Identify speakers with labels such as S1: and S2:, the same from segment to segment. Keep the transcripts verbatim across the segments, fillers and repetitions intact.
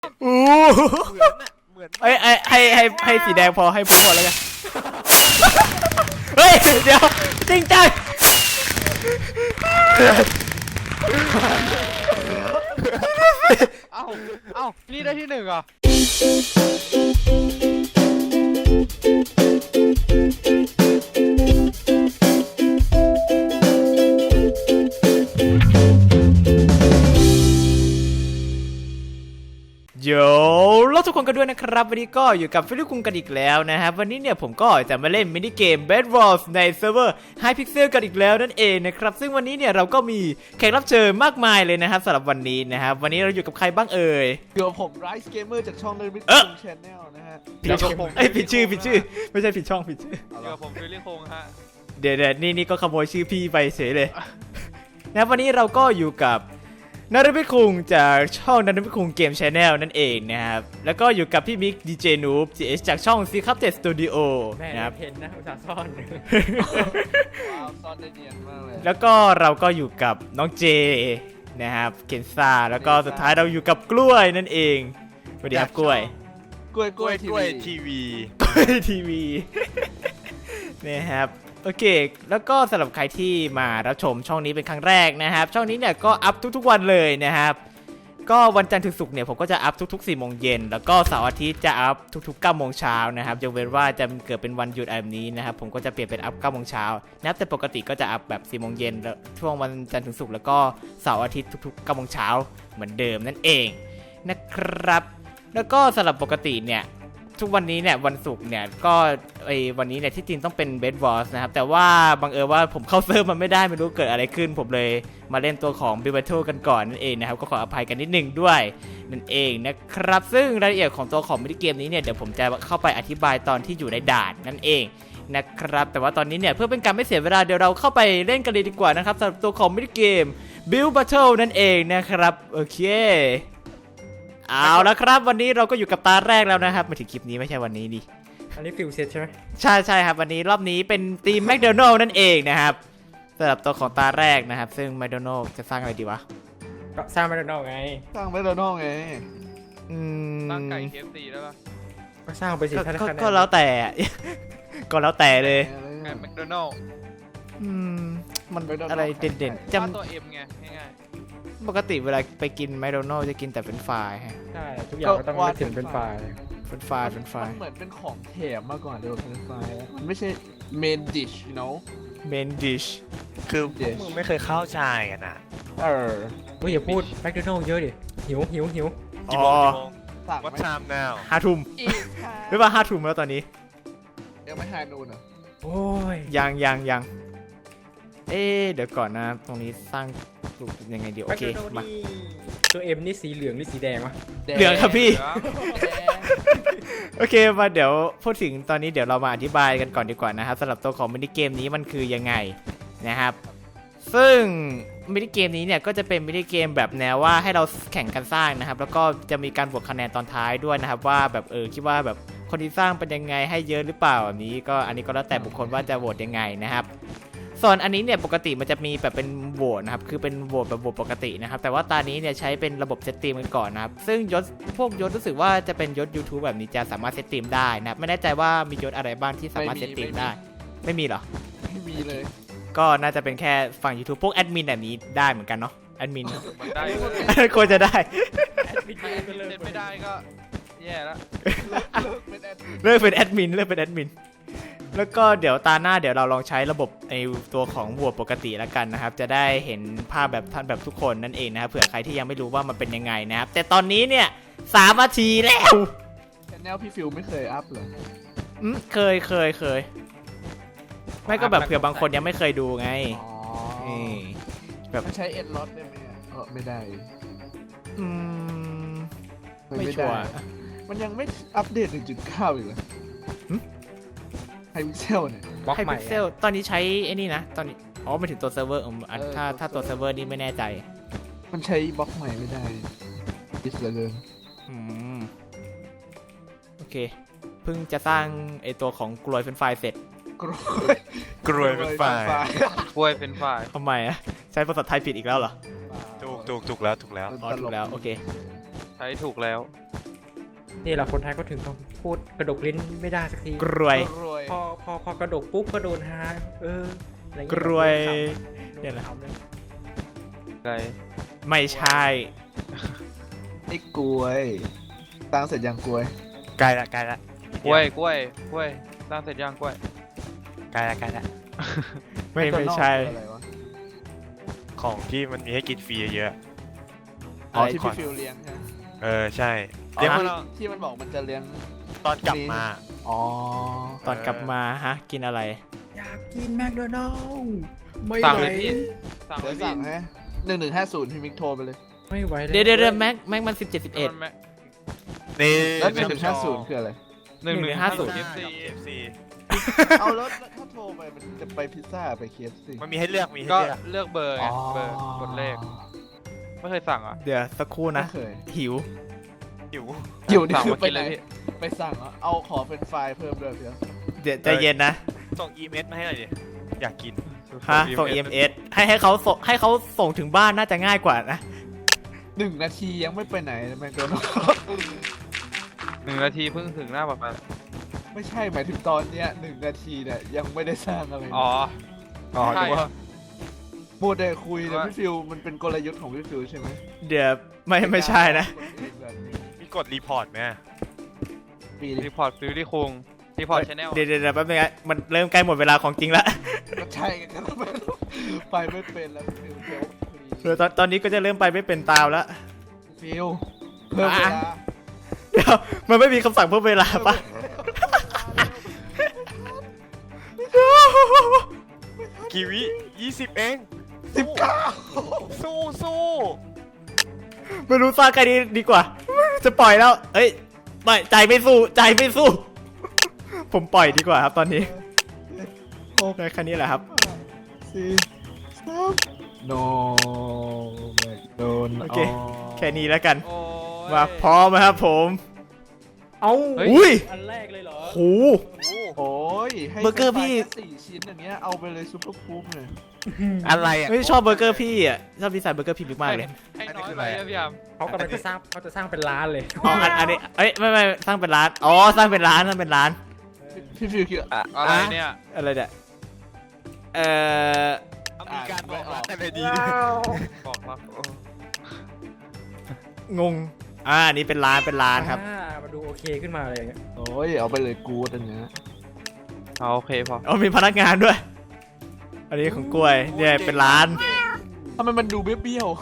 S1: อู้
S2: เหมือนน่ะเหมือน
S1: ไอ้ไอ้ให้ให้ให้สีแดงพอให้ผมหมดแล้วกันเฮ้ยเดี๋ยวจริงจัง
S2: เอ้าเอ้านี่ได้ที่หนึ่งเหรอ
S1: โยแล้วทุกคนกันด้วยนะครับวันนี้ก็อยู่กับฟิลิปคุงกันอีกแล้วนะครับวันนี้เนี่ยผมก็จะมาเล่นมินิเกม Bed Wars ในเซิร์ฟเวอร์ Hypixel กันอีกแล้วนั่นเองนะครับซึ่งวันนี้เนี่ยเราก็มีแขกรับเชิญมากมายเลยนะครับสำหรับวันนี้นะครับวันนี้เราอยู่กับใครบ้างเอ่ย
S3: อยู่กับผม Rice Gamer จากช่อง The Big
S1: เอ๊ะ
S3: Channel นะฮะ
S1: ผิดช่องเอ้ยผิดชื่อผิดชื่อไม่ใช่ผิดช่องผิดชื่อ
S2: เดี๋ยวผมฟิลลิ่งคงฮะ
S1: เดี๋ยวเดี๋ยวนี่นี่ก็ขโมยชื่อพี่ไปเฉยเลย นะวันนี้เราก็อยู่กับนารมิคุงจากช่องนารมิคุงเกมชาแนลนั่นเองนะครับแล้วก็อยู่กับพี่มิกดีเจนูบจีเอสจากช่องซีคัพเตสตูดิโอ
S4: แม่
S1: นะครับ
S4: เห็นนะอุตส่าห์ซ่อน
S3: ว้าวซ่อนได้เนียนมากเลย
S1: แล้วก็เราก็อยู่กับน้องเจนะครับเคนซ่าแล้วก็สุดท้ายเราอยู่กับกล้วยนั่นเองสวัสดีครับกล้วย
S3: กล้วย
S2: ก
S3: ก
S2: ล้
S3: ล้ว วย
S2: กล้วย
S3: ที
S2: ทีวี
S1: กล้วยทีวี นะครับโอเคแล้วก็สำหรับใครที่มารับชมช่องนี้เป็นครั้งแรกนะครับช่องนี้เนี่ยก็อัพทุกๆวันเลยนะครับก็วันจันทร์ถึงศุกร์เนี่ยผมก็จะอัพทุกๆสี่โมงเย็นแล้วก็เสาร์อาทิตย์จะอัพทุกๆเก้าโมงเช้านะครับยกเว้นว่าจะเกิดเป็นวันหยุดแบบนี้นะครับผมก็จะเปลี่ยนเป็นอัพเก้าโมงเช้านะครับแต่ปกติก็จะอัพแบบสี่โมงเย็นแล้วช่วงวันจันทร์ถึงศุกร์แล้วก็เสาร์อาทิตย์ทุกๆเก้าโมงเช้าเหมือนเดิมนั่นเองนะครับแล้วก็สำหรับปกติเนี่ยทุกวันนี้เนี่ยวันศุกร์เนี่ยก็ไอ้วันนี้เนี่ยที่จริงต้องเป็น Bed Wars นะครับแต่ว่าบังเอิญว่าผมเข้าเซิร์ฟมันไม่ได้ไม่รู้เกิดอะไรขึ้นผมเลยมาเล่นตัวของ Build Battle กันก่อนนั่นเองนะครับก็ขออภัยกันนิดนึงด้วยนั่นเองนะครับซึ่งรายละเอียดของตัวของมินิเกมนี้เนี่ยเดี๋ยวผมจะเข้าไปอธิบายตอนที่อยู่ในด่านนั่นเองนะครับแต่ว่าตอนนี้เนี่ยเพื่อเป็นการไม่เสียเวลาเดี๋ยวเราเข้าไปเล่นกันเลยดีกว่านะครับสำหรับตัวของมินิเกม Build Battle นั่นเองนะครับโอเคเอาละครับวันนี้เราก็อยู่กับตาแรกแล้วนะครับมาถึงคลิปนี้ไม่ใช่วันนี้ดิ
S4: อันนี้ฟิลเซตใช่ไหม
S1: ใช่ใช่ครับวันนี้รอบนี้เป็นทีมแมคโดนัลล์นั่นเองนะครับสำหรับตัวของตาแรกนะครับซึ่งแมคโดนัลล์จะสร้างอะไรดีวะ
S4: ก็สร้างมาโดนัลไง
S3: สร้างแมคโดนัลด์ไง
S1: อืม
S2: ตั้งไก่เคฟซีได้ปะ
S4: ก็สร้างไปสิ
S1: ก็
S4: ถ้า
S1: ก็
S4: คะแนน
S1: ก็แล้วแต่ ก็แล้วแต่เลย
S2: ไก่แมคโดนัลล์
S1: อืมมัน
S3: McDonald's
S1: อะไรเด่นๆจ
S2: วาดตัวเอ็มไงง่าย
S1: ำปกติเวลาไปกินแมคโดนัลล์จะกินแต่เป็นไฟรายฮะ
S4: ใช่ทุกอย่างก็ต้องนึกถึงเป็นไฟล์
S1: เป็นไฟรายเป็นไฟราย
S3: มันเหมือนเป็นของแถมมาก่อนเดี๋ยวเป็นไฟล์มันไม่ใช่เมนดิช you know
S1: เมนดิช
S5: คือพวกมึงไม่เคยเข้าใจกันอ่ะ
S3: เออ
S4: เฮ้ยอย่าพูดแมคโดนัลเยอะดิหิวหิวหิว
S5: กี่
S1: อ๋อ
S5: โมงกี่โมง
S3: สั่ง
S5: What
S3: ไหม
S5: time now
S1: ห้าทุ่ม
S3: อีกค่ะ
S1: หรือว่าห้าทุ่มแล้วตอนนี้
S3: ยังไม่หานูนเหรอ
S4: โอ้ย
S1: ยังยังยังเอ๊ะเดี๋ยวก่อนนะตรงนี้สร้างรูปยังไงดีโอ
S4: แมค
S1: เค
S4: โดนัล
S1: มา
S4: นี่ตัวเอ็มนี่สีเหลืองหรือสีแดงวะ
S1: เหลืองครับพี่
S2: ๆเหลือ
S3: แดง
S1: โอเคมาเดี๋ยวพูดถึงตอนนี้เดี๋ยวเรามาอธิบายกันก่อนดีกว่านะครับสำหรับตัวของมินิเกมนี้มันคือยังไงนะครับซึ่งมินิเกมนี้เนี่ยก็จะเป็นมินิเกมแบบแนวว่าให้เราแข่งกันสร้างนะครับแล้วก็จะมีการบวกคะแนนตอนท้ายด้วยนะครับว่าแบบเออคิดว่าแบบคนที่สร้างเป็นยังไงให้เยอะหรือเปล่าแบบนี้ก็อันนี้ก็แล้วแต่บุคคลว่าจะโหวตยังไงนะครับส่วนอันนี้เนี่ยปกติมันจะมีแบบเป็นโหวตนะครับคือเป็นโหวตแบบโหวตปกตินะครับแต่ว่าตอนนี้เนี่ยใช้เป็นระบบเซตตีมกันก่อนนะครับซึ่งยศพวกยศรู้สึกว่าจะเป็นยศ YouTube แบบนี้จะสามารถเซตตีมได้นะครับไม่แน่ใจว่ามียศอะไรบ้างที่สามารถเซตตีมได้ไม่มีเหรอ
S3: ไม่มีเลย
S1: ก็น่าจะเป็นแค่ฝั่ง YouTube พวกแอดมินแบบนี้ได้เหมือนกันเนาะแอดมิน
S2: มันได้เลย
S1: ควรจะได้
S2: ถ้าเล่นไม่ได้ก็แย่แล้ว
S3: เลิกเป็นแอดมิน
S1: เลิกเป็นแอดมินเลิกเป็นแอดมินแล้วก็เดี๋ยวตาหน้าเดี๋ยวเราลองใช้ระบบไอตัวของบวกปกติแล้วกันนะครับจะได้เห็นภาพแบบท่านแบบทุกคนนั่นเองนะครับเผื่อใครที่ยังไม่รู้ว่ามันเป็นยังไงนะครับแต่ตอนนี้เนี่ยสามนาทีแล้ว
S3: ชแนลพี่ฟิวไม่เคยอัพเหรอ
S1: อืมเคยเคยเคยไม่ก็แบบเผื่อบางคนยังไม่เคยดูไง
S3: อ๋อ
S1: นี่
S3: มันใช้เอ็ดล็อตได้ไหมอะเออไม่ได้
S1: อืม
S3: มัน
S1: ไม่
S3: ไม่
S1: ชัว
S3: ได้
S1: ร์
S3: มันยังไม่อัปเดต หนึ่งจุดเก้า อีกเหรอ
S1: หึ
S3: ไฮพิกเซลเนี่ย
S4: บล็อก
S1: ไฮ
S4: ใหม่
S1: พิกเซลตอนนี้ใช้ไอ้นี่นะตอนนี้อ๋อไม่ถึงตัวเซิร์ฟเวอร์อืมอัน
S3: เออ
S1: ถ้า
S3: ตัว
S1: ถ้าตัว
S3: เซิ
S1: เซิ
S3: ร์
S1: ร์ฟ
S3: ฟ
S1: เว
S3: เว
S1: อ
S3: อร์
S1: ร์นี่ไม่แน่ใจ
S3: มันใช้บล็อกใหม่ไม่ได้ดิสเหลยเกิน
S1: อืมโอเคเพิ่งจะสร้างไอตัวของกลวยเป็นไฟล์เสร็จ
S3: กรวย
S5: กรวยเป็นฝ่าย
S2: กล้วยเป็นฝ่าย
S1: ทำไมอะใช้ภาษาไทยผิดอีกแล้วเหรอ
S5: ถูกถูกถูกแล้วถูกแล้ว
S1: อ๋อถูกแล้วโอเค
S2: ช้ถูกแล้ว
S4: นี่แหละคนไทยก็ถึงต้องพูดกระดกลิ้นไม่ได้สักที
S1: กรวย
S3: รวย
S4: พอพอพอกระดกปุ๊บก็โดนฮาเอออะไรเงี้
S1: กรวย
S4: โด
S1: เนี่ยแหละ
S4: ขำเลย
S2: อะไร
S1: ไม่ใช่
S3: ไอ้กล้วยตั้งเสร็จยังกล้วย
S5: ใกล้ละใกล้ละ
S2: กล้วยกล้วยกล้วยสร้างเสร็จย่างกล้วย
S5: ใกล้ละใกล้ละ
S1: ไม่ไม่ใช่
S3: อะไรวะ
S5: ของที่มันมีให้กินฟรีเยอะ
S3: อ๋อ
S5: ไอ
S3: ที่
S5: คอ
S3: พี่
S5: น
S3: ฟิลเลี้ยงใช่ไหม
S5: เออใช่
S3: อ๋อ
S5: เดี๋ยวมัน
S3: ที่มันบอกมันจะเลี้ยง
S5: ตอนกลับมา
S3: อ๋อ
S1: ตอนกลับมาฮะ กินอะไร
S4: อยากกินแมคโดนัลด์ไม่
S2: สั่ง
S4: ไหว
S2: เลยพี่สั่งเล
S3: เดี๋ย
S2: ยว พี่
S3: สั่งให้หนึ่งหนึ่งห้าศูนย์พี่มิกโทรไปเลย
S4: ไม่ไหวแล้ว
S1: เดี๋ยวเดี๋ยวเดี๋ยวแม็กแม็กมันสิบเจ็ดสิบเอ็ด
S2: มันแม่
S5: นี่
S3: แล้วหนึ่งหนึ่งห้าศูนย์คืออะไร
S2: หนึ่งหนึ่งห้าศูนย์
S5: เอ
S2: เอ
S5: ฟ
S2: ฟ
S5: ซี
S2: ซี
S5: เอฟซี
S3: เอาแล้วแล้วถ้าโทรไปมันจะไปพิซซ่าไปเคฟซี
S5: มันมีให้เลือกมีให้
S2: ก็
S5: เลือก
S2: เลือกเบอร์ไงเบอร์กดเลขไม่เคยสั่งอ่ะ
S1: เดี๋ยวสักครู่
S3: ไม่
S1: นะ
S3: เคย
S1: หิว
S5: อยู่
S3: อยู่นี่
S2: สั่ง
S3: คือ
S2: มา
S3: ไป
S2: กิน
S3: ไหน
S2: เลยพี่
S3: ไปสั่งเหรอเอาขอเป็นไฟล์เพิ่มด้วยเพียว
S1: เดี๋ยวใจเย็นนะ
S5: ส่งอีเมลมาให้หน่อยดิอยากกิน
S1: ฮะ ส่ง อี เอ็ม เอส ให้ให้เขาส่งให้เขาส่งถึงบ้านน่าจะง่ายกว่านะ
S3: หนึ่งนาทียังไม่ไปไหนแมคโดนัลด์
S2: หนึ่งนาทีเพิ่งถึงหน้าปากซอย
S3: ไม่ใช่หมายถึงตอนเนี้ยหนึ่งนาทีเนี่ยยังไม่ได้สร้างอะไรเลย
S2: อ๋อ
S3: อ๋อ
S2: ใช่
S3: นึกว่าพูดแต่คุยแต่
S2: ว่า
S3: พี่ฟิวมันเป็นกลยุทธ์ของพี่ฟิวใช่ไหม
S1: เดี๋ยวไม่ไม่ใช่นะ
S5: มีกดรีพอร์ตไหม
S3: ปี
S2: รี
S3: นี้
S2: พอร์ตฟิลลี่คุงรีพอร์ตชาแนล
S1: เดี๋ยวเดี๋ยวเดี๋ยวแป๊บนึงนะมันเริ่มใกล้หมดเวลาของจริงแล้ว
S3: ก็ใช่กันไปไม่เป็นแล้วพี่ฟิวเดี๋ยว
S1: เดี๋ยวตอนตอนนี้ก็จะเริ่มไปไม่เป็นตามแล้ว
S3: ฟิวเพิ่มเวลา
S1: เดี๋ยวมันไม่มีคำสั่งเพิ่มเวลาปะ
S5: กีวิยี่สิบเอง
S3: สิบเก้า
S5: สู้สู้
S1: ไม่รู้สร้างใครดีดีกว่า จะปล่อยแล้ว เอ้ยไม่ใจไม่สู้ใจไม่สู้ ผมปล่อยดีกว่าครับตอนนี้
S3: หก
S1: ได้แค่นี้แหละครับ
S3: สี่สามโนแมคโดน
S1: โอเค แค่นี้แล้วกัน
S2: โอ้ย
S1: มาพร้อมไหมครับผม
S4: เอ้า
S2: เฮ้ย
S1: อุ้ย
S4: อันแรกเลยเหรอ
S1: โห
S3: โอ้ยให้
S1: เบอร์เกอร์พี่
S3: แค่สี่ชิ้นอย่างเงี้ยเอาไปเลยซุปเปอร์คูปเลย
S5: อะไรอ่ะ
S1: ไม่ชอบเบอร์เกอร์พี่อ่ะชอบดีไซน์เบอร์เกอร์พี่บิ๊กมากเลย
S2: ให้
S5: อันนี้
S2: น้อย
S5: คือ
S2: ไป
S5: อะไร
S2: นะพี่ยาม
S4: เขากำลังจะสร้างเขาจะสร้างเป็นร้านเลย
S1: อ๋ออันอันนี้เอ้ยไม่ไม่สร้างเป็นร้านอ๋อสร้างเป็นร้านสร้างเป็นร้าน
S3: พี่ฟิวคิด
S5: อะ
S2: อะไรเนี่ย
S1: อะไรเนี่ยเอ่อ
S5: มีการบอกรักกันเลยดี
S2: บอกมา
S1: งงอ่าอันนี้เป็นร้านเป็นร้านครับ
S4: อ่ามาดูโอเคขึ้นมาอะไรอย่างเงี้ย
S3: โอ้ยเอาไปเลยกูดอันเนี้ย
S2: เอาโอเคพอ
S1: อ๋อมีพนักงานด้วย อันนี้ของกล้วยเนี่ยเป็นร้าน
S3: ทำไมมันดูเบี้ยว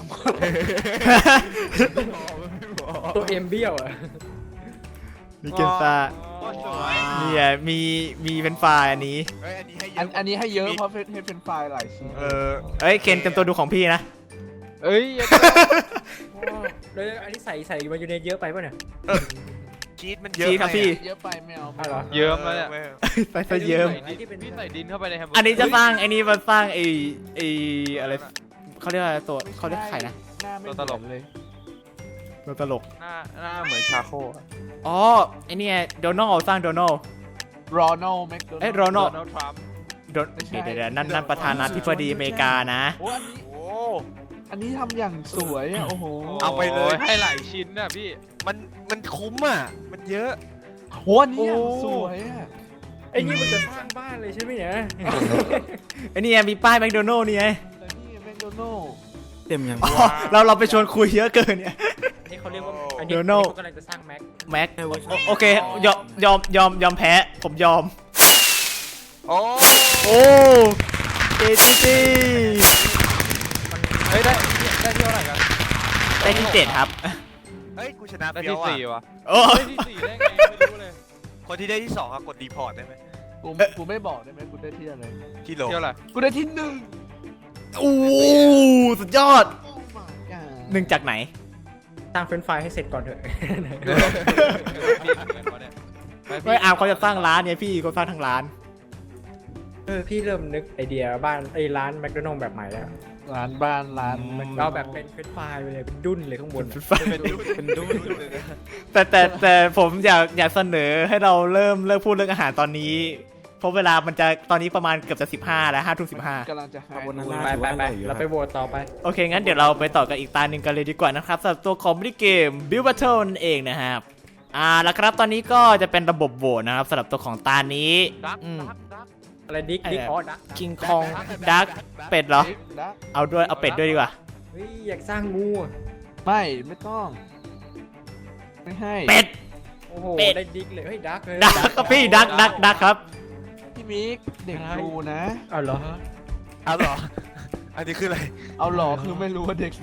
S4: ตัวเอ็มเบี้ยวอ่ะ
S1: มีเกนซ่า
S2: โอ้สวย
S1: เนี่ยมีมีเป็นไฟล์อันนี้
S5: เอ้ยอันนี้ให้เย
S3: ๆอัน
S5: อะ
S3: อันนี้ให้เยอะเพราะให้เป็นไฟล์หลายชิ้น
S5: เออ
S1: เอ้ยเคนเต็มตัวดูของพี่นะ
S2: เอ้ยอย่า
S4: เลยอันนี้ใส่ใส่มาอยู่ในเยอะไปป่ะเนี่ย
S5: ชีสมันเยอะ
S1: ชีสครับพี่
S3: เยอะไปไม่เอา
S4: อ้าวเหรอ
S2: เยิ้มแล้วเนี่ย
S1: ใส่ซะเยิ้ม
S2: ใส่ดินพี่ใส่ดินเข้าไปในแฮมเบอร์เกอร์
S1: อันนี้จะสร้างไอ้นี่มาสร้างไอ้ไอ้อะไรเขาเรียกว่าอะไรตัวเขาเรียกไข่นะ
S3: หน้าไม่
S2: ตัวตลก
S3: เหมือนเลย
S1: ตัวตลก
S2: หน้าหน้าเหมือนชาโคอะ
S1: อ๋อไอ้นี่โดนัลสร้างโดนัล
S3: รอนัลแมคโดนัล
S1: เอ้ย Ronald
S2: โดนัลด์ทรัมป์
S1: โดนเดี๋ยวเดี๋ยวเดี๋ยวนั่นนั่นประธานาธิบดีอเมริกานะ
S3: โอ้อันนี้
S5: โอ้
S3: อันนี้ทำอย่างสวยอะโอ้โห
S5: เอาไปเลย
S2: ให้หลายชิ้นน่ะพี่
S5: มันมันคุ้มอ่ะ มันเยอะ
S3: โหอันนี้อย่างสวยอะ
S4: ไอ้นี่มันจะสร้างบ้านเลยใช่ไหมเนี่ย
S1: ไอ้นี่ไงมีป้ายแมคโดนัลด์นี่ไง
S3: แล้วนี่แมคโดนัล
S1: เต็มยังเราเราไปชวนคุยเยอะเกินเนี่ย
S4: นี่เขาเรียกว่าอันนี้
S1: เดี๋ยวโน่
S4: เขากำลังจะสร้างแม็ก
S1: แม็กโอโอเคยอมยอมยอมยอมแพ้ผมยอม
S5: โอ้
S1: โอ้เจจีจี
S2: เฮ้ยได้ได้ที่เท่าไหร่กัน
S1: ได้ที่เจ็ดครับ
S5: เฮ้ย กูชนะ
S2: ได้
S5: เปียว
S2: ที่
S5: อ่ะ
S2: สี่วะ
S1: โอ้
S2: ได้ที่สี่ได้ไงไม่รู้เลย
S5: คนที่ได้ที่สองอะกดรีพอร์ตได้ไหม
S3: กูกูไม่บอกได้ไหมกูได้ที่อะไร
S5: ที่โหล
S2: เที่ยวอะไร
S3: กูได้ที่หนึ่ง
S1: โอ้สุดยอด
S3: โอ้ my god
S1: หนึ่งจากไหน
S4: สร้างเฟรนช์ฟรายให้เสร็จก่อนเถอะ
S2: พี่เหมือนกันวะเนี่ย
S1: ไม่อาร์มเขาจะสร้างร้านเนี่ยพี่เขาสร้างทั้งร้าน
S4: เออพี่เริ่มนึกไอเดียบ้านไอ้ร้านแมคโดนัลด์แบบใหม่แล้ว
S3: ร้านบ้านร้าน
S1: อืม
S4: เราแบบเป็นเฟรนช์ฟรายไปเลยเป็นดุ้นเลยข้างบนอะ
S5: เป็นดูเป็นดูเลยนะ
S1: แต่แต่แต่ผมอยากอยากเสนอให้เราเริ่มเลิกพูดเรื่องอาหารตอนนี้เพราะเวลามันจะตอนนี้ประมาณเกือบจะสิบห้าแล้วห้าทุ่มสิบห้าก
S3: ำลังจะหาย
S4: ไปไปไปเราไปโหวตต่อไป
S1: โอเค งั้นเดี๋ยวเราไปต่อกันอีกตาหนึ่งกันเลยดีกว่านะครับสำหรับตัวของมินิเกม Build Battle นั่นเองนะครับอ่าแล้วครับตอนนี้ก็จะเป็นระบบโหวตนะครับสำหรับตัวของตานี้
S2: ดัก
S1: อืม
S2: ดักดัก
S4: อะไรดิกดิกอ๋อดัก
S1: คิงคองดักเป็ดเหรอ
S3: ดัก
S1: เอาด้วยเอาเป็ดด้วยดีกว่า
S4: เฮ้ยอยากสร้างงูอะ
S3: ไม่ไม่ต้อง ไม่ให้
S1: เป็ด
S4: โอ้โห
S1: เป็ด
S4: ได้ดิกเลยเฮ้ยดักเลย
S1: ดักครับพี่ดักดักดักครับ
S3: พี่มิกเด็กดูนะ
S4: เอาเหรอ
S5: เอาเหรอ อันนี้คืออะไร
S3: เอาหลอกคือไม่รู้ว่าเด็กดู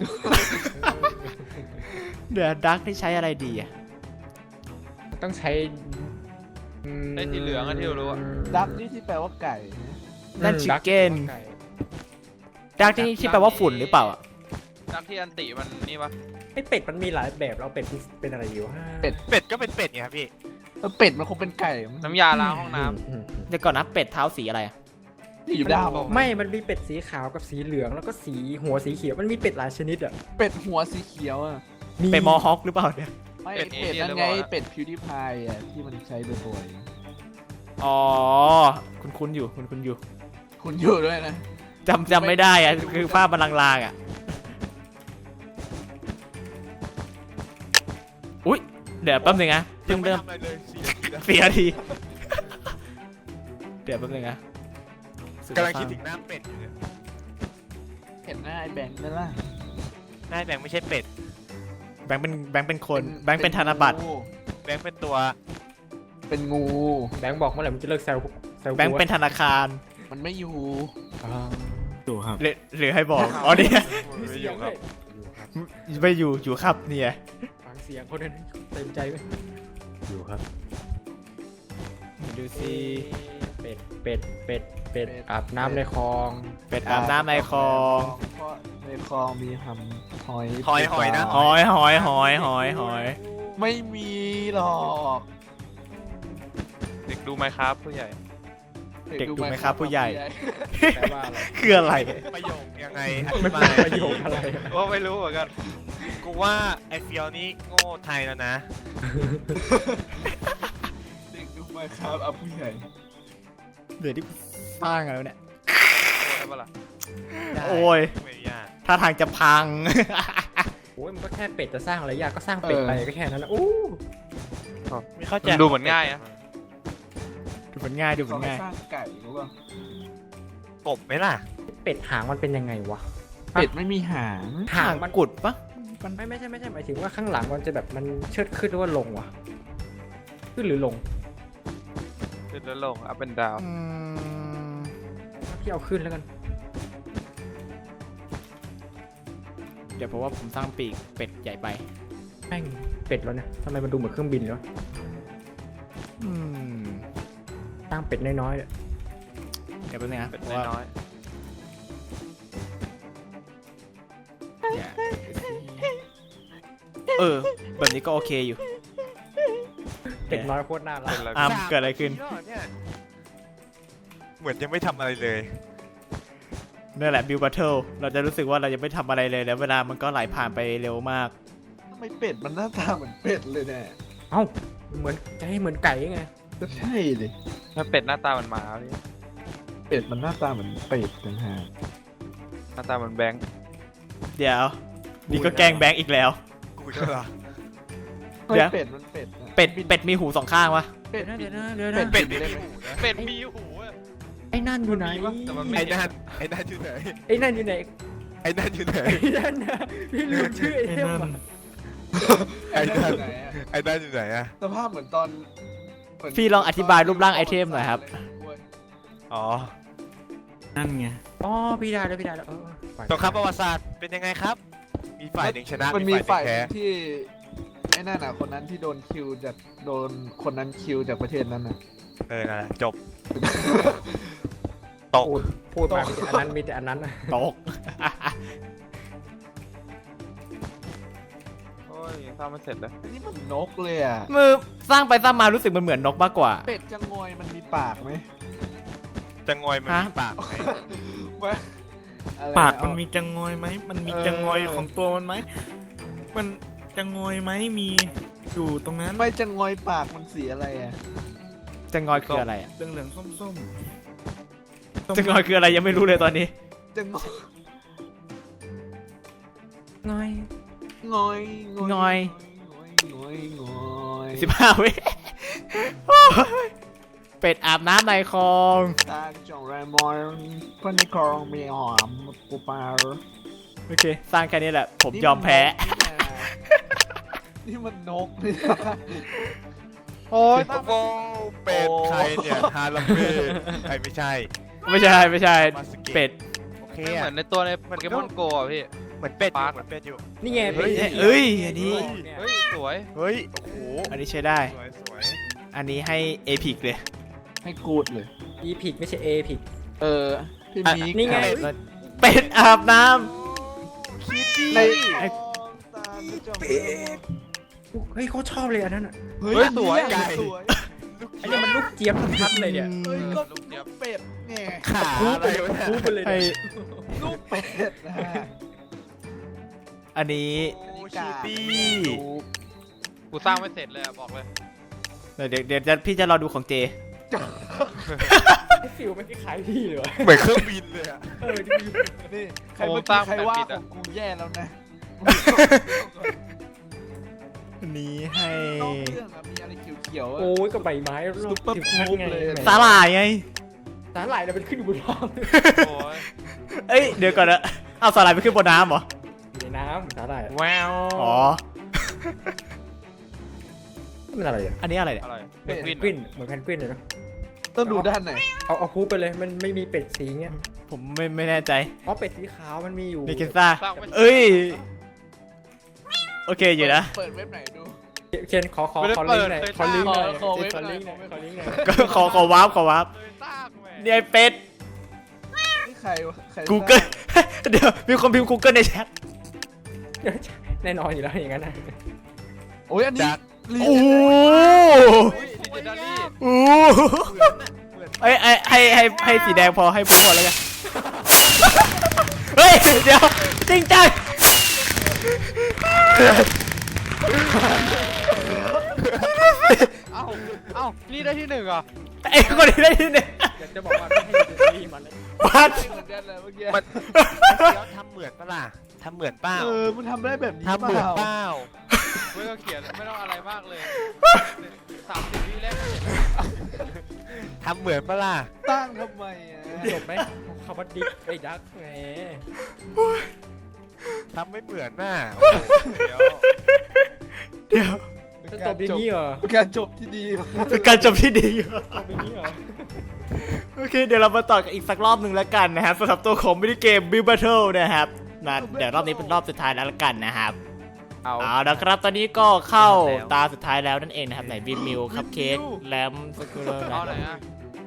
S1: เดี๋ยวดักที่ใช้อะไรดีอะ
S4: ต้องใช้อืม
S2: ไอ้สีเหลืองอะที่เรารู้อะ
S3: ดักนี่ที่แปลว่าไก่นะ
S1: นั่น
S4: อืม
S1: ชิค
S4: ดัก
S1: เก้น
S4: ไก่
S1: ดักที่ที่แปลว่าฝุ่นหรือเปล่าอะ
S2: ดักที่อันติมันนี่ปะ
S4: ไอ้เป็ดมันมีหลายแบบเราเป็ดเป็นอะไรอยู่ฮะ
S5: เป็ดก็เป็นเป็ดไงครับพี่
S3: เออเป็ดมันคงเป็นไก่มั้ง
S2: น้ำยาล้างห้องน้
S4: อืมอืม
S1: เดี๋ยวก่อนนะเป็ดเท้าสีอะไรอะ
S3: ที่อยู่ด้าม
S4: ไม่ มันมีเป็ดสีขาวกับสีเหลืองแล้วก็สีหัวสีเขียวมันมีเป็ดหลายชนิดอ่ะ
S3: เป็ดหัวสีเขียวอ่ะ
S1: เป็ดมอฮอคหรือเปล่าเนี่ย
S3: ไม่เป็ดนั่นไงเป็ดพิวดิพายอ่ะที่มันใช้บ่อย
S1: อ๋อคุณคุณอยู่คุณคุณอยู่
S3: ๆคุณอยู่ด้วยนะ
S1: จำจำไม่ได้อะคือภาพมันลางๆอะอุ๊ยเดี๋ยวแป๊บนึงนะเพิ่งเริ่ม
S5: ทำอะไรเลยสี่นาทีแล้ว
S1: เสียทีเดี๋ยวแป๊บนึงนะ
S5: กำลังคิดถึงหน้าเป็ดอยู่เนี่ย
S3: เห็นหน้าไอ้แบงค์นั่นล่ะ
S5: หน้าแบงค์ไม่ใช่เป็ด
S1: แบงค์เป็นแบงค์เป็นคนแบงค์เป็นธนบัตร
S3: งู
S5: แบงค์เป็นตัว
S3: เป็นงู
S4: แบงค์บอกเมื่อไหร่มันจะเลิกแซวแซว
S1: แบงค์เป็นธนาคาร
S3: มันไม่อยู่
S6: อยู่ครับ
S1: หรือหรือให้บอก อ๋อเนี่ย
S4: มีเสียงด้วย
S1: ไม่อยู่อยู่ครับเนี่ย
S4: ฟังเสียงคนนั้นเต็มใจไหม
S6: อยู่ครับ
S1: ดูสิ
S4: เป็ดเป็ดเป็ดเป็ดอาบน้ำในคลอง
S1: เป็ดอาบน้ำในคลอง
S3: เพราะในคลองมีทำหอย
S5: หอยหอยนะ
S1: หอยหอยหอยหอยหอย
S3: ไม่มีหรอก
S2: ำเด็กดูไหมครับผู้ใหญ่
S1: เด็กดูไหมครับผู้ใหญ่
S4: แปลว่าอะไร
S1: คืออะไร
S5: ประโยคยังไงอ
S4: มั
S5: ธิ
S4: น
S5: บา
S4: เป็น
S5: ย
S4: ประโยคอะไร
S2: ว่าไม่รู้เหมือนกัน
S5: กูว่าไอเฟียวนี่โง่ไทยแล้วนะ
S3: เด็กดูไหมครับเอาผู้ใหญ่
S1: เดี๋ยวที่สร้างอะไรวะเนี่ย
S2: ได้ปะล่ะ
S1: โอ้ย
S5: ไม่ยาก
S1: ถ้าทางจะพัง
S4: โอ้ยมันก็แค่เป็ดจะสร้างอะไรยากก็สร้างเป็ดไปก็แค่นั้นนะอู้
S5: ไม่เข้าใจ
S2: มันดูเหมือนง่ายอะ
S1: ดูเหมือนง่ายดูเหมื
S3: เขา
S1: อน
S3: ให้
S1: ง่าย
S3: สร้างไก่รู้ป่ะ
S5: กบไหมล่ะ
S4: เป็ดหางมันเป็นยังไงวะ
S3: เป็ดไม่มีหาง
S4: หางมัน
S1: กุดปะ
S4: มันไม่ไม่ใช่ไม่ใช่หมายถึงว่าข้างหลังมันจะแบบมันเชิดขึ้นหรือว่าลงวะขึ้นหรือลง
S2: ขึ้นแล้วลงอัพเป็นดาว
S1: อืม
S4: พี่เอาขึ้นแล้วกัน
S1: เดี๋ยวเพราะว่าผมสร้างปีกเป็ดใหญ่ไป
S4: แม่งเป็ดแล้วเนี่ยทำไมมันดูเหมือนเครื่องบินเลยวะ
S1: อืม
S4: สร้างเป็ดน้อยๆเนี่ย
S1: เดี๋ยวแป๊บนึงนะ
S2: เป็น
S1: เพราะว่า
S2: น้อย
S1: อย่าเออ แบบนี้ก็โอเคอยู่
S4: เด็กน้อยโคตรน่า
S2: ๆ
S4: รัก
S2: เป็นอะไร
S1: อามเกิดอะไรขึ้น
S5: สามปีแล้วเนี่ยเหมือนยังไม่ทำอะไรเลย
S1: นั่นแหละบิวบัตเทิลเราจะรู้สึกว่าเรายังไม่ทำอะไรเลยแล้วเวลามันก็ไหลผ่านไปเร็วมาก
S3: ทำไมเป็ดมันหน้าตาเหมือนเป็ดเลยเนี่ย
S4: เอ้าเหมือนจะให้เหมือนไก่ไง
S3: ก็ใช่เลย
S2: ถ้าเป็ดหน้าตาเหมันหมาพี่
S3: เป็ดมันหน้าตาเหมือนเป็ดต่างหาก
S2: หน้าตาเหมันแบงค์
S1: เดี๋ยวนี่ก็แกล้งแบงค์อีกแล้ว
S5: กูจะเหรอ
S3: เฮ้ย
S1: เดี๋ยว
S3: เป็ดมันเป็ดนะ
S1: เป็ดเป็ดมีหูสองข้างวะ
S3: เป็ด
S4: เดี๋ยว
S3: บิ
S4: นะ
S3: น
S4: เดี๋ยวนะเดี๋ยว
S3: เป็
S4: นะ
S3: ด
S5: เป็ดไม่มีหูนะ
S2: เป็ดมีหูอะ
S4: ไอ้นั่นอยู่ไหน
S2: แต่มันไม่
S5: ไอ้นั่นไอ้นั่นอยู่ไหน
S4: ไอ้นั่นอยู่ไหน
S5: ไอ้นั่นอยู่ไหน
S4: ไอ้นั่นนะพี่ลืมชื่อไอ้เทมอะ
S3: ไอ้นั่นอยู่ไหนอะ
S5: ไอ้นั่นอยู่ไหนอะ
S3: สภาพเหมือนตอนเหมืน
S1: พี่ลองอธิบายรูปร่างไอเทมหน่อยครับ
S5: อ๋อ
S6: นั่นไง
S4: อ๋อพี่ได้แล้วพี่ได้แล้วเออปล่อย
S5: สงครามประวัติศาสตร์เป็นยังไงครับ มีฝ่ายหนึ่งชนะ
S3: มันมีฝ่าย
S5: หนึ่ง
S3: ห
S5: แพ้
S3: นึ่งที่ไอ้นั่นน่ะคนนั้นที่โดนคิวจากโดนคนนั้นคิวจากประเทศนั้นน่ะ
S5: เออนั่นแหละจบ ตก
S4: พูดพูดมามีแต่อันนั้นมีแต่อันนั้นนะ
S1: ตก
S2: โอ้ยยังสร้างไม่เสร็จเลย
S3: อันนี้มันนกเลยอ่ะ
S1: มือสร้างไปสร้างมารู้สึกมันเหมือนนกมากกว่า
S3: เป็ดจะงอยมันมีปากไหม
S5: จะงอยมัน
S1: ฮะ
S5: มีปากไหม
S3: วะอะไร
S6: ปากมัน
S3: เอ
S6: มีจังงอยไหม มันมี
S3: เออ
S6: จังงอยของตัวมันไหม มันจังงอยไหมมีอยู่ตรงนั้น
S3: ไม่จะงอยปากมันสีอะไรอ่ะ
S1: จจะงอยคืออะไรอ่ะ
S6: เหลืองเหลืองๆส้มส้ม
S1: จะงอยคืออะไรยังไม่รู้เลยตอนนี้
S3: จะงอย
S4: ง่อย
S3: งอย
S1: งอย
S3: งอยงอย
S1: สิบห้าวิโอ้ยเป็ดอาบน้ำในคลอง
S3: ตาจงแรมอนคนในคลองมีหอมปูปลา
S1: โอเค สร้างแค่นี้แหละ ผมยอมแพ้
S3: นี่มันนกนี่นะ
S2: โอ้ย
S5: โอ้โหเป็ดใครเนี่ยฮาลัมเบ้ไอ้ไม่ใช่
S1: ไม่ใช่ไม่ใช่
S5: มาสเกะ
S1: เป็ด
S5: โอเค
S2: ไม่เห
S5: อะ
S2: มือนในตัวในโปเกมอนโกอ่ะพี่
S5: เหมือนเป็ดอยู่
S2: ปาร์ค
S5: เหมือนเป็ดอยู่
S4: นี่ไง
S1: เฮ้ย
S4: ป็น
S1: เอ้ยอันนี้
S2: เฮ้ยสวย
S5: เฮ้ยโอ้โห
S1: อันนี้ใช้ได้
S5: สวยสวย
S1: อันนี้ให้เอพิกเลย
S3: ให้กูดเลย
S4: อีพิกไม่ใช่เอพิก
S3: เออพี่มี
S4: นี่ไง
S1: เป็ดอาบน้
S5: คิดดี
S3: ใน
S1: ไอ้
S4: เฮ้ยเขาชอบเลยอันนั้นอ่ะ
S3: เฮ้ย
S2: เฮ้ยสวย
S3: ไก่สวย
S4: อันนี้มันลูกเจี๊ยบชัดๆเลยเนี่ย
S3: เฮ้ยก็ลูกเป็ดไง
S5: ขาอะไรวะ
S4: คู
S5: เนี่ย
S4: ไปเลย
S1: ำให้
S3: ลูกเป็ดนะฮะ
S1: อันนี้
S5: โอ้คิดดี
S2: กูสร้างไม่เสร็จเลยอะบอกเลย
S1: เดี๋ยวเดี๋ยวเดี๋ยวพี่จะรอดูของเจ
S4: ไอ้ฟิวไม่ได้ขายที่เลยวะ
S5: เหมือนเครื่องบินเลยอะ
S4: เออที่
S3: นี่ใครเมื่อกี้ใครว่าของกูแย่แล้วนะ
S1: อันนี้ให้
S3: นอกเรื่องอะมีอะไรเขียวๆอะ
S4: โอ้ยก็ใบไม้รอบสิบพันไง
S1: สาหร่ายไง
S4: สาหร่ายเราเป็นขึ้นอยู่บนท้อง
S2: โอ้ย
S1: เอ้ยเดี๋ยวก่อนนะเอาสาหร่ายไปขึ้นบนน้ำเหรอ
S4: อยู่ในน้ำสาหร่าย
S2: แวว
S1: อ๋อ
S4: มันอะไรอ่ะ
S1: อันนี้อะไรเนี่ย
S2: อะไร
S4: เป็
S2: เป็น น
S4: ก
S2: ก
S4: วิ
S2: วิ
S4: น
S2: น
S4: เหมือนแพนกวินเลยเนาะ
S3: ต้องดูด้านไหน
S4: เอาเอาคูไปเลยมันไม่มีเป็ดสีเงี้ย
S1: ผมไม่ไม่แน่ใจ
S4: อ๋อเป็ดสีขาวมันมีอยู่
S1: นิกินซ่า
S2: สร้างไม่
S1: เอ้ย โอเคอยู่นะ
S3: เปิดเว็บไหนดู
S4: เช่นขอขอขอลิงก์หน่อยขอลิงก์หน่อย
S3: ขอเว็บ
S4: ขอ
S3: หน่
S4: ลิ
S3: อย
S4: งก์หน่อยขอลิงก์หน่อย
S1: ก็ขอขอวาร์ปขอวาร์ป
S2: เลยสร้างแหม
S1: เนี่ยไอ้เป็ด
S3: นี่ใครวะใคร
S1: Google เดี๋ยวมีคนพิมพ์ Google ในแชท
S4: แน่นอนอยู่แล้วอย่างนั้นนะ
S3: โอ้ยอันนี้
S1: โอ้โห
S2: อุ้ยดิจิทัลลี่
S1: โอ้โหเอ้ยให้ให้ให้ให้สีแดงพอให้ผมพอแล้วกันเฮ้ย เดี๋ยว จริงจัง
S2: เอ้าเอ้านี่ได้ที่หนึ่งเหรอ
S1: ไอ้คนนี้ได้ที่หนึ่ง
S4: อยากจะบอกว่าไม่ให้ดูดีมันเลย
S1: บัส
S3: เหมือนกันเลยเมื่อกี้
S5: มันเดี๋ยวทำเหมือนปะล่ะทำเหมือนเปล่า
S3: เออมันทำได้แบบนี้
S5: ทำเหมือนเปล่า
S2: ไม่ต้องเขียนไม่ต้องอะไรมากเลยสามสิบวิแรกก็เสร็จ
S5: ทำเหมือนปะล่ะ
S3: ตั้งทำไมอ่ะ
S4: จบไหมคำว่าดิ๊กไอ้ดักไง
S5: ทำไม่เหมือนน่ะโอ้โหเดี๋ยว
S1: เดี๋ยว
S4: จะจบอย่างนี้เหรอ
S3: เป็นการจบที่ดีมาก
S1: เป็นการจบที่ดีอยู่
S4: จบอย่างนี้เหรอ
S1: โอเค เดี๋ยวเรามาต่อกันอีกสักรอบหนึ่งแล้วกันนะครับสำหรับตัวของมินิเกม Build Battle นะครับนะเดี๋ยวรอบนี้เป็นรอบสุดท้ายแล้วละกันนะครับ
S2: เอา
S1: เอาละครับตอนนี้ก็เข้าตาสุดท้ายแล้วนั่นเองนะครับไหนวินมิวคัพเค้กแลมสกูเลอร์
S2: เอาไหนอะ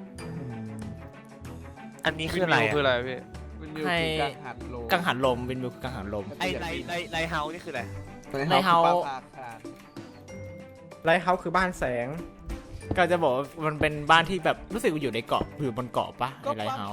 S5: อันนี้คืออะไร
S2: วินมิวคือ
S5: อะ
S2: อะไรพี่
S3: มันอยู่คือการหันโล
S1: กังหันลมวินมิวคือกังหันลม
S5: ไอไลไลไลเฮานี่คืออะไร
S1: ในเฮา
S3: ปลาคาร์
S4: ไลท์เฮาส์คือบ้านแสง
S1: ก็จะบอกว่ามันเป็นบ้านที่แบบรู้สึกว่าอยู่ในเกาะอยู่บนเกาะปะในไลท์เฮาส์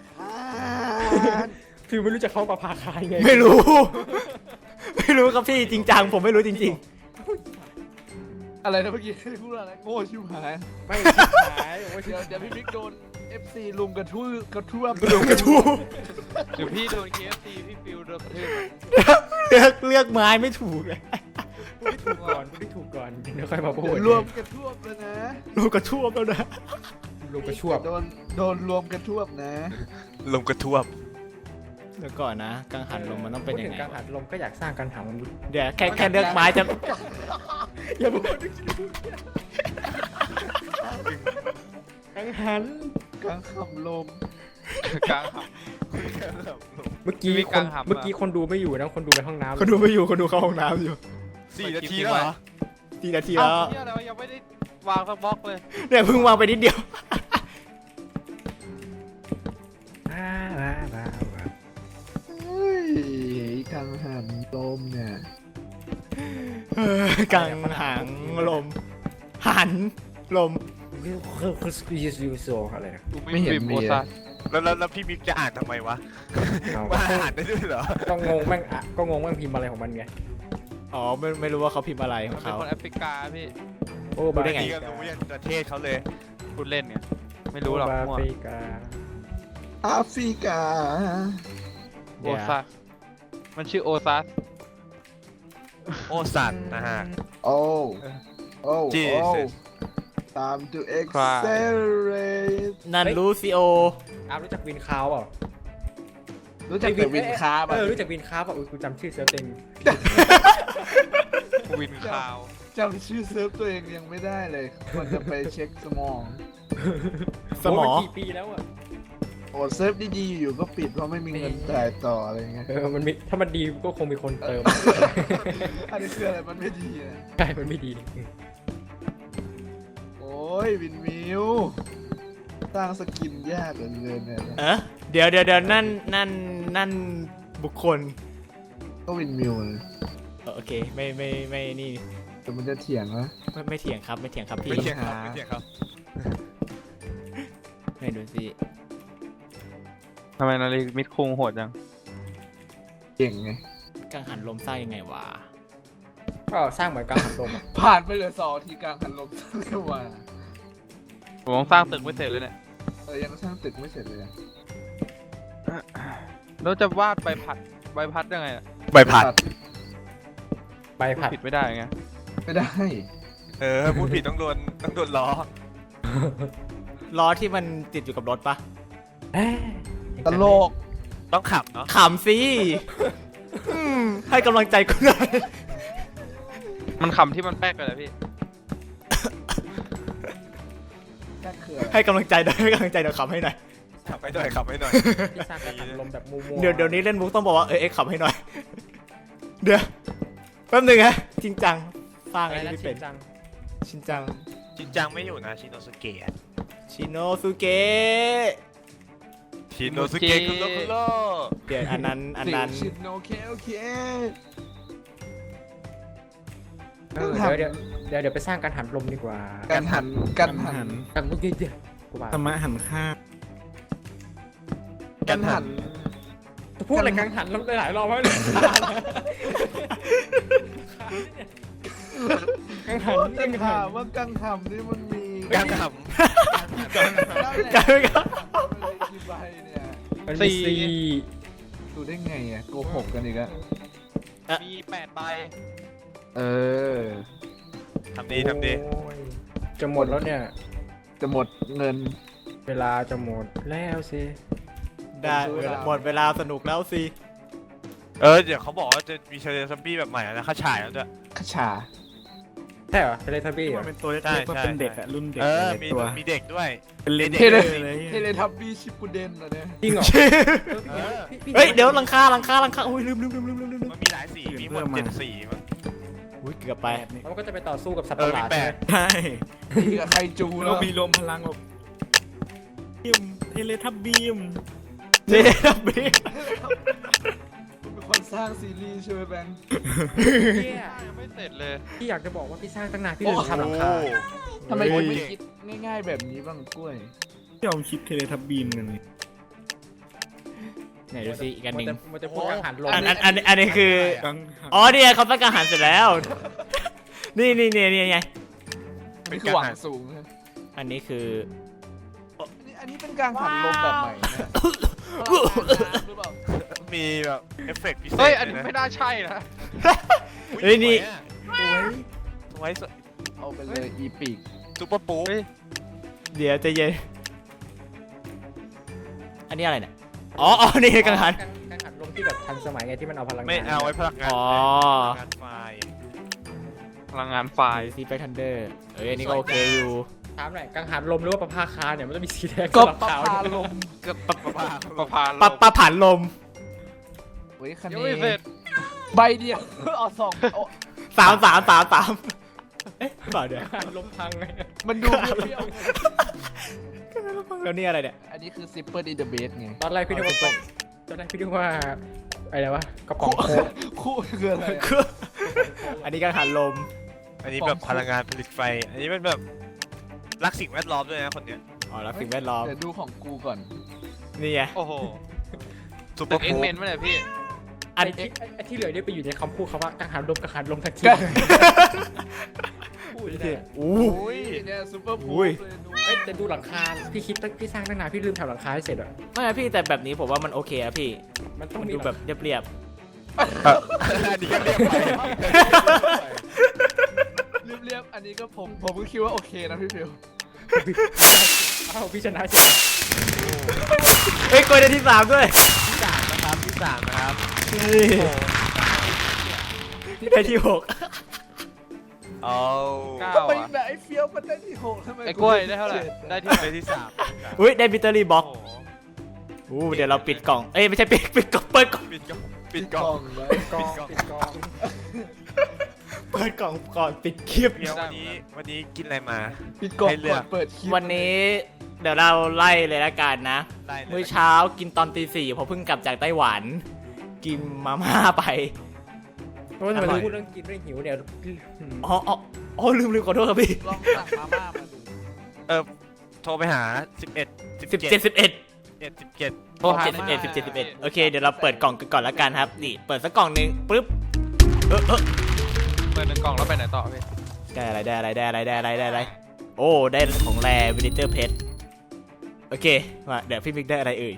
S4: ฟิวไม่รู้จะเข้าประภาคายไง
S1: ไม่รู้ ไม่รู้ครับพี่จริงจังผมไม่รู้จริง
S3: อะไรนะเมื่อกี้พูดอะไรโง่ชิบหาย
S4: ไม่ขายโอ้ย
S3: เดี๋ยวเดี๋ยวพี่บิ๊กโดน เอฟ ซี ลุมกระทืบกระทืบ
S1: ๆลงกระทู้
S2: หรือพี่โดน เค เอฟ ซี พี่ฟิวโดนกระทืบ
S1: เลือกเลือกไม้ไม่ถูกเลย
S4: พูดไม่ถูกก่อนพูดไม่ถูกก่อนเดี๋ยวค่อยมาพูด
S3: เดี๋ยวรวมกระทืบเลยนะ
S1: ลงกระทู้แล้วนะ
S4: ลงกระชวบ
S3: โดนโดนรวมกระทืบนะ
S5: ลมกระทวบ
S1: เดี๋ยวก่อนนะกังหันลมมันต้องเป็นยัง
S4: พูดถึ
S1: ไง
S4: การหันลมก็อยากสร้างการหันลม
S1: เดี๋ยวแค่แค่เลือกไม้จะ
S4: อย่าพูดกังหัน
S3: กลางคำลม
S2: กลางหับ
S4: เมื่อกี้
S2: มี
S4: ค
S2: กาน รหัน
S4: เมื่อกี้คนดูไม่อยู่นะคนดูไปห้องน้ำ
S1: คนดูไม่อยู่คนดูเข้าห้องน้ำอยู่
S5: สี่นาทีแล้วเหรอ
S1: สี่นาที
S2: เอ้า
S1: แล้ว
S2: เนี่ยอะไรวะยังไม่ได้วางสักบล็อกเลย
S1: เนี่ยเพิ่งวางไปนิดเดียว
S4: อ่าอ่าอ่าอ่า
S3: เฮ้ยกลางหันลมเนี่ย
S1: เออกังหังลม หันลม
S4: คือคือคือยูซูโซอะไรนะ
S2: กูไม่เห็นโมซา
S5: แล้วแล้วแล้วพี่มิกจะอ่านทำไมวะ
S4: เอา
S5: ว่าอ่านได้ด้วยเหรอ
S4: ก็งงแม่งอ่ะก็งงแม่งพิมพ์อะไรของมันไง
S1: อ๋อไม่ไม่รู้ว่าเขาพิมพ์อะไรข
S2: มั
S1: อน ง
S2: เป็น
S1: เขา
S2: คนแอฟริกาพี่
S4: โอ้
S1: รู้ได้ไง
S5: นี่ก็รู้ยันประเทศเขาเลย
S2: พูดเล่นไงไม่รู้หรอก
S4: แอ
S2: มั่ว
S4: ฟริกา
S3: แอฟริกา
S2: โอ
S1: เดี๋ยว
S2: ซัสมันชื่อโอซัส
S5: โอสัตนะฮะ
S3: โอ้โอ้
S5: Jesus
S3: time to accelerate
S1: นั่นลูซิโอ
S4: อาร์มรู้จักวินคาวเปล่า
S3: รู้จักแต่วินคาร์
S4: เออรู้จักวินคาวเปล่าอุ้ยกูจำชื่อเซิร์ฟเต็ม
S2: วินคาว
S3: จำชื่อเซิร์ฟตัวเองยังไม่ได้เลยมันจะไปเช็คสมอง
S1: สมอ
S4: โยนกี่ปีแล้วอ่ะ
S3: โอ้เซิร์ฟดีๆอยู่ก็ปิดเพราะไม่มีเงินจ่ายต่ออะไรเงี้ย
S4: เออมันมีถ้ามันดีก็คงมีคนเติม
S3: อันนี้คืออะไรมันไม่ดีนะ
S4: ใช่มันไม่ดี
S3: โอ้ยวินมิวสร้างสกินยากเหลือเกินเนี่ยนะ
S1: เออเดี๋ยวเดี๋ยวเดี๋ยวนั่นนั่นนั่นบุคคล
S3: ก็วินมิวเลย
S1: เออโอเคไม่ไม่ไม่นี่
S3: แต่มันจะเถียงนะ
S1: ไม่ไม่เถียงครับไม่เถียงครับพี่
S5: ไม่เถียงครับไม่เถียงครับ
S1: ไม่ดูสิ
S2: ทำไมนาฬิมิดคุงโหดจัง
S3: เก่งไง
S1: กังหันลมสร้างยังไงวะ
S4: ก็สร้างเหมือนกังหันลมอะ
S3: ผ่านไปเหลือสองทีกลางหันลมสร้างขึ้นมา
S2: ผมต้องสร้างตึกไม่เสร็จเลยเนี่ย
S3: เออยังสร้างตึกไม่เสร็จเลยอะ
S2: แล้วจะวาดใบพัดใบพัดยังไงอะ
S5: ใบพัด
S4: ใบผัด
S2: ผิดไม่ได้ไง
S3: ไม่ได้
S5: เออพูดผิดต้องโดนต้องโดนล้อ
S1: ล้อที่มันติดอยู่กับรถปะ
S4: เอ๊ะ
S3: ตลก
S5: ต้องขับเนาะ
S1: ขำสิอืมให้กำลังใจกูหน่อย
S2: มันขำที่มันแป๊กไปแล้วพี่
S3: แค่คืออะไร
S1: ให้กำลังใจหน่อยให้กำลังใจเดี๋ยวขำให้หน่อย
S5: ขับให้หน่อยขับให้หน่อย
S4: ที่สร้างกังหันลมแบบมัวๆ
S1: เดี๋ยวเดี๋ยวนี้เล่นมุกต้องบอกว่าเออเอ็กซ์ขำให้หน่อย เดี๋ยวแป๊บหนึงฮะจริงจังสร้าง
S4: อะไร
S1: อะไร
S4: นะ
S1: ที่
S4: ชิ
S1: เป็น
S4: นจัง
S1: ชินจัง
S5: ชินจังไม่อยู่นะชินโนสุเกะ
S1: ชิโนสุเกะ
S5: ชินโนสุเกะคุณโลคุณโล
S1: เดี๋ยวอันนั้นอันนั้น
S3: สิชินโอเคโอเค
S4: เออเดี๋ยวเดี๋ยวเดี๋ยวเดี๋ยวไปสร้างกังหันลมดีกว่า
S3: กันหันกันหัน
S4: กันเมื่อกี้เดี๋ยวกูว่า
S6: ธรรมะหันข้าง
S3: กันหัน
S4: จะพูดอะไรกังหันลมหลายรอบแล้วเนี่ยกังหัน
S3: กั
S4: กั
S3: ง
S4: ง
S3: หั
S4: หั
S3: น
S4: น
S3: ว่ากังหันนี่มันมี
S5: กังข
S3: นั่นแหละ
S1: กันไม่กัน
S3: มันมีกี่ใบเนี่ย
S4: มันมีสี่
S3: ดูได้ไงอ่ะโกหกกันอีกอะ
S2: มีแปดใบ
S3: เออ
S5: ำทำดีทำดี
S4: โอ้ยจะหมดแล้วเนี่ย
S3: จะหมดเงิน
S4: เวลาจะหมดแล้วสิ
S1: ได้เวลาหมดเวลาสนุกแล้วสิ
S5: เออเดี๋ยวเขาบอกว่าจะมีเชลเลซัมบี้แบบใหม่แล้วนะเขาฉายแล้วด้วย
S3: ขชา
S4: ใช่เหรอเทเลทับบี้เหร
S6: มั
S4: อน
S6: เป็นตัวเล็ก
S5: ใช่
S6: ๆมัน
S5: ใช่
S6: เป็นเด็กอะรุ่นเด็ก
S5: เออ
S6: หลาย
S5: มี
S6: ตัว
S5: มีเด็กด้วย
S6: เป็นเลน
S3: เทเล
S6: เลย
S3: เทเลทับบี้ชิปปูเดนเหรอเนี่ย
S4: จริงเหรอ
S5: เออ
S1: เฮ้ยเดี๋ยวหลังคาหลังคาหลังคาอุ้ยลืมลืมลืมลืมลืมลืม
S5: มันมีหลายสีมีหมดเจ็ดสีมั้ง
S1: อุ้ยเกือบไป
S4: มันก็จะไปต่อสู้กับสัตว์
S5: เอ
S4: ป
S5: อ
S4: ระห
S5: มี
S4: ลาด
S5: แป
S4: ใช่ไห
S5: ด
S4: ม
S3: นี่กับไคจู
S6: เรา
S3: แล้ว
S6: มีรวมพลังแบบบีมเทเลทับบีม
S1: เจ๊ดับบี
S3: เป็นคนสร้างซีรีส์ใช่ไหมแบงค์
S4: เนี่ย
S2: ยังไม่เสร็จเลย
S4: พี่อยากจะบอกว่าพี่สร้างตั้งนานพี่ลืมทำหลังคา
S3: ทำไมคุณไม่
S1: เฮ้ย
S3: คิดง่าย ๆ แบบนี้บ้างกล้วย
S6: ยอมคิดเทเลทับบีมกันเลย
S1: ไหนดูสิอีกอันหนึ่ง
S4: มันจะมันจะพูดกังหันลม
S1: อันอันอันอันนี้คือ
S6: กังหัน
S1: อ๋อเนี่ยเขาตั้งการหันเสร็จแล้ว นี่นี่นี่นี่ไง
S3: เป็นคือหวังสูงนะ
S1: อันนี้คือ
S3: อันนี้อันนี้เป็นการหันลมแบบใหม่นะหรือเปล่า
S5: มีแบบเอฟเฟกต์พิเศษ
S2: เฮ้ย อันนี้
S5: ด้วะ
S2: ไม่น่าใช่นะ
S1: เฮ้ยนี่
S5: สวยสวย
S3: เอาไปเลยอีปีก
S5: ซุปเปอร์ปู๊
S2: เฮ้ย
S1: เดี๋ยวใจะเย็น อันนี้อะไรเนี่ย อ๋ออ๋อนี่กังหัน
S4: กังหันลมที่แบบทันสมัยไงที่มันเอาพลังงาน
S5: ไม่เอาไว้พลังงาน
S1: อ๋อ
S5: พลังงานไฟ
S2: พลังงานไฟ
S1: ซีไปทันเดอร์เอ้ยอันนี้ก็โอเคอยู่
S4: ถามหน่อยกังหันลมหรือว่าประภาคารเนี่ยมันจะมีสีแดง
S3: ก็
S4: สลับ
S3: ประ
S4: ขาว
S3: พาลม
S5: ก็ปะปะปะ
S2: ประพาน
S1: ปะปะผ่านลม
S3: เฮ้ยคัน
S2: ยัง
S3: นี้
S2: ไม่เสร็จ
S3: ใบเดียวเอาสองเอา
S1: สามสามสามสามเอ๊ะเปล่าเดี๋ยว
S4: กังหันลมพังไง
S3: มันดูเปรี้ยวๆไง
S1: แล้วนี่อะไรเนี่ย
S3: อันนี้คือซิปเปอร์ดีเดอะเบสไง
S4: ตอนแรกพี่นึกว่าตอนแรกพี่นึกว่าอะไรวะกระป๋องโค้ก
S3: คู่คืออะไรอะ
S1: คืออันนี้กังหันลม
S5: อันนี้แบบพลังงานผลิตไฟ อันนี้เป็นแบบรักสิ่งแวดล้อมด้วยนะคนเนี้ย
S1: อ๋อแล้วสิ่งแวดล้อม
S3: เดี๋ยวดูของกูก่อน
S1: นี่ไง
S2: โอ้โห
S5: ซุปเป
S2: ตึ
S5: อก ร์
S2: เอ็ก
S5: ปู๊
S2: เมนไม่เลยพี่
S1: อัน
S4: ไอ้ที่ไอ้ที่เหลือเนี่ยไปอยู่ในคำพูดคำว่ากังหันลมกังหันลมทันทีพูดได้
S1: อู้
S3: อุ้ยเนี่ยซูเปอร์
S1: อุ้
S3: พู
S1: ย
S3: เลยดู
S4: เอ้ยแต่ดูหลังคาพี่คิดตั้งพี่สร้างตั้งนานพี่ลืมทำหลังคาให้เสร็จอะ
S1: ไม่นะพี่แต่แบบนี้ผมว่ามันโอเคอะพี่
S4: มันต้อง
S1: มัน
S4: มี
S1: ดูแบบเรียบ
S5: อันนี้ก็เรียกไป
S3: เรียบๆอันนี้ก็ผมผมก็คิดว่าโอเคนะพี่ฟิว
S4: อ้าวพี่ชนะเฉย
S1: ๆเฮ้ยกดได้ที่สามด้วย
S5: ที่สามนะครับที่สามนะครับ
S1: นี่ได้ที่หก
S5: เอา
S2: เก้า
S3: ทำไม
S2: อ่ะ
S3: แบบไอ้เฟี้ยวมันได้ที่หกทำไม
S2: ไอ้กล้วยได้เท่าไหร่ได้ที่
S5: ไปที่สาม
S1: อุ้ยได้บิตเตอรี่บ็อก
S5: โอ้โห
S1: อู้เดี๋ยวเราปิดกล่องเอ้ยไม่ใช่ปิดปิดกล่องเปิดกล่อง
S5: ปิดกล่องปิ
S3: ปิ
S5: ด
S3: ด
S5: ก
S3: ก
S5: ล่
S3: ล่
S5: อ
S3: อง งเลย
S4: กองปิดกอง
S1: เปิดกล่องก่อนปิดคลิป
S5: เดี๋ยววันนี้วันนี้กินอะไรมา
S3: ปิดกล่อง
S5: ให้เลื
S3: ก่
S5: อ
S3: อก นเปิดคลิป
S1: วันนี้เดี๋ยวเราไล่เลยละกันนะ
S5: ได้เลย
S1: มื้อเช้ากินตอนตีสี่เพราะเพิ่งกลับจากไต้หวัน กินมาม่าไป
S4: เพราะว่าทำไมพูดเรื่องกินเรื่องหิวเนี่ย
S1: อ๋ออ๋ออ๋อลืมลืมขอโทษครับพี่
S3: ลองสั่งมาม่ามาดู
S5: เออโทรไปหาสิบเอ็ดสิบ
S1: สิบ
S5: เจ็
S1: เจ็
S5: ด
S1: ดสิบเอ็ด
S5: เจ็ดสิบเจ็ด
S2: โทรหา
S1: สิบเอ็ดสิบเจ็ดสิบเอ็ดโอเคเดี๋ยวเราเปิดกล่องกันก่อนละกันครับนี่เปิดสักกล่องหนึ่งปึ๊บเออเออ
S2: เปิดหนึ่งกล่องแล้วไปไหนต่อพี่
S1: ได้อะไรได้อะไรได้อะไรได้อะไรได้อะไรโอ้ได้ของแรวินิเตอร์เพชรโอเคมาเดี๋ยวพี่มิกได้อะไรเอ่ย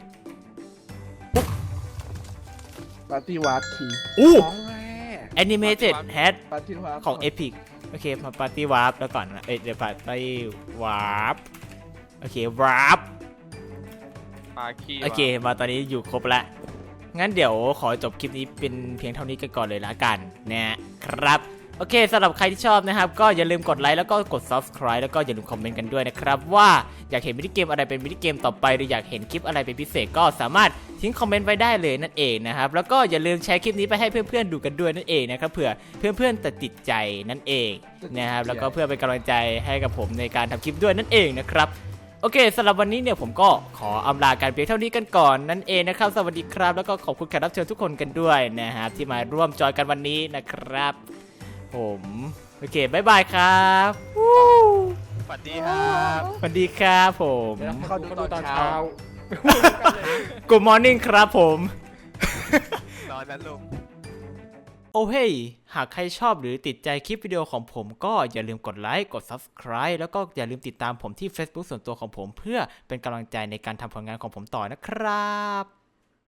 S3: ปาร์ตี้วาร์ดคี
S1: อู้
S4: ของแม่
S1: Animated Hat
S3: ปาร์ตี้วาร์ด
S1: ของ Epic โอเคมาปาร์ตี้วาร์ปแล้วก่อนนะเอ้ยเดี๋ยวปาร์ตี้วาร์ปโอเควาร์ป
S2: ปลาคี
S1: โอเคมาตอนนี้อยู่ครบแล้วงั้นเดี๋ยวขอจบคลิปนี้เป็นเพียงเท่านี้กันก่อนเลยละกันนะครับโอเคสำหรับใครที่ชอบนะครับก็อย่าลืมกดไลค์แล้วก็กด Subscribe แล้วก็อย่าลืมคอมเมนต์กันด้วยนะครับว่าอยากเห็นมินิเกมอะไรเป็นมินิเกมต่อไปหรืออยากเห็นคลิปอะไรเป็นพิเศษก็สามารถทิ้งคอมเมนต์ไว้ได้เลยนั่นเองนะครับแล้วก็อย่าลืมแชร์คลิปนี้ไปให้เพื่อนๆดูกันด้วยนั่นเองนะครับเผื่อเพื่อนๆจะติดใจนั่นเองนะครับแล้วก็เพื่อเป็นกำลังใจให้กับผมในการทำคลิปด้วยนั่นเองนะครับโอเคสำหรับวันนี้เนี่ยผมก็ขออำลากันเพียงเท่านี้กันก่อนนั่นเองนะครับสวัสดีครับแล้วก็ขอบคุณแขกรับเชิญทุกคนกันด้วยนะครับที่มาร่วมจอยกันวันนี้นะครับผมโอเคบายบายครับวู้
S5: สวัสดีครับ
S1: สวัสดีครับผม
S4: เดี๋ยวเขาดูตอนเช้า
S1: Good morning ครับผม
S5: นอนนั้นลูก
S1: โอ้เฮ้ยหากใครชอบหรือติดใจคลิปวิดีโอของผมก็อย่าลืมกดไลค์กด Subscribe แล้วก็อย่าลืมติดตามผมที่ Facebook ส่วนตัวของผมเพื่อเป็นกำลังใจในการทำผลงานของผมต่อนะครับ